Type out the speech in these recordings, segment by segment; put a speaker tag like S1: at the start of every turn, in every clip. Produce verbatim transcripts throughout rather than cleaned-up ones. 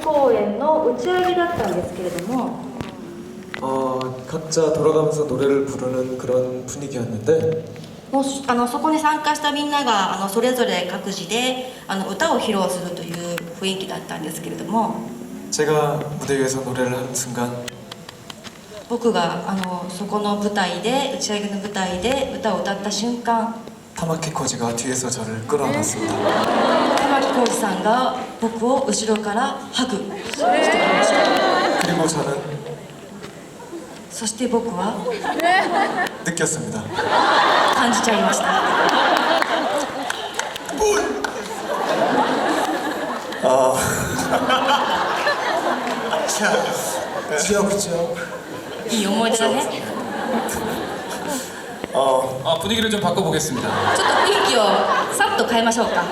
S1: 公演の打ち上げだったんですけれども、
S2: 어, 각자 돌아가면서 노래를 부르는 그런 분위기였는데
S1: もうあのそこに参加したみんながあのそれぞれ各自であの歌を披露するという雰囲気だったんですけれども、
S2: 제가 무대 위에서 노래를 하는 순간
S1: 僕があのそこの舞台で打ち上げの舞台で歌を歌った瞬間、
S2: 타마키 코지가 뒤에서 저를 끌어안았습니다.
S1: 玉置浩二さんが僕を後ろからハグしてきました。
S2: 그리고 저는
S1: そして僕は
S2: 느꼈습니다.
S1: 感じちゃいました。
S2: 아, 지역 지역.
S1: いい思い出だね。
S2: 어,
S3: 아, 분위기를 좀 바꿔보겠습니다.
S1: ちょっと雰囲気をさっと変えましょうか。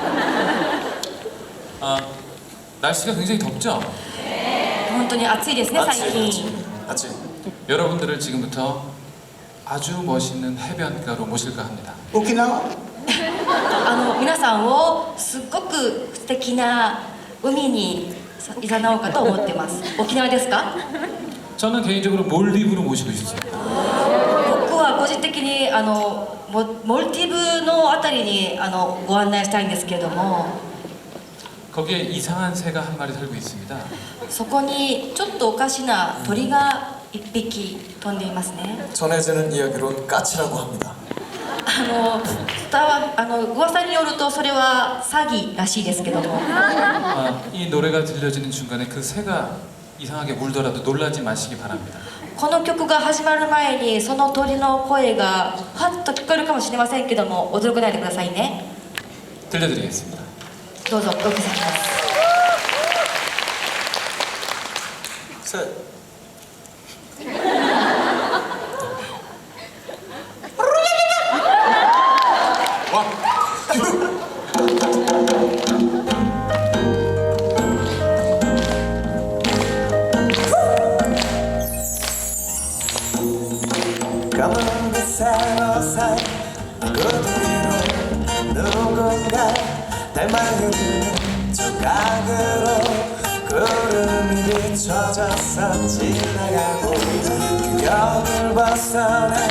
S3: 아, 날씨가 굉장히 덥죠?
S1: 本当に暑いですね、最近。
S2: 아치.
S3: 여러분들을 지금부터 아주 멋있는 해변가로 모실까 합니다.
S2: 오키나와?
S1: あの皆さんをすっごく素敵な海にいざなおうかと思ってます。沖縄ですか？
S3: 저는 개인적으로 몰디브로 모시고 싶습니다.
S1: 僕は個人的にあのモモルティブのあたりにあのご案内したいんですけれども、
S3: 거기에 이상한 새가 한 마리 살고 있습니다.
S1: そこにちょっとおかしな鳥が一匹飛んでいますね。
S2: 전해지는 이야기론 까치라고 합니다.
S1: あの伝わあの噂によるとそれは詐欺らしいですけども、
S3: 아, 이 노래가 들려지는 중간에 그 새가 이상하게 울더라도 놀라지 마시기 바랍니다.
S1: この曲が始まる前にその鳥の声がはっと聞こえるかもしれませんけども、驚かないでくださいね。
S3: 들려드리겠습니다.
S1: どうぞお受けさせます。
S2: 셋. 까만 햇살 사이 구름 위로 누군가 닮아있는 조각으로 구름이 비춰져서 지나가고 그 벽을 벗어나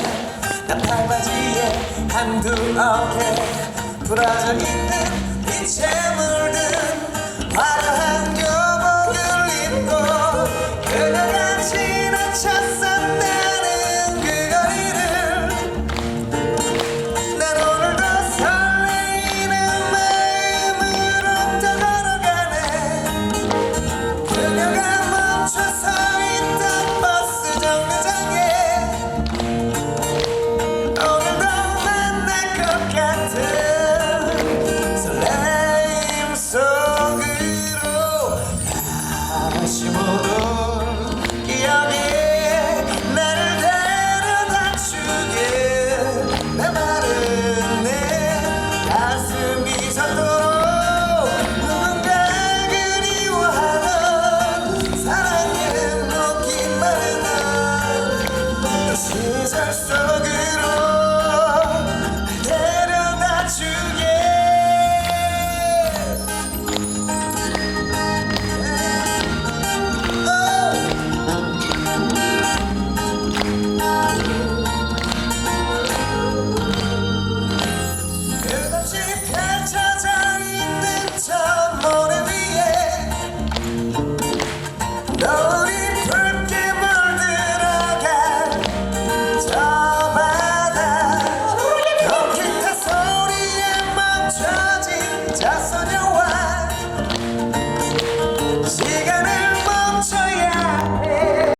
S2: 나팔바지에 한두 어깨 부러져 있는 빛에 물든 화려한 교복을 입고 그녀가 지나쳤었다는 그 거리를 난 오늘도 설레이는 마음으로 또 걸어가네. 그녀가 멈춰서 있던 버스 정류장에 오늘도 만날 것 같은 설레임 속으로 다시 모두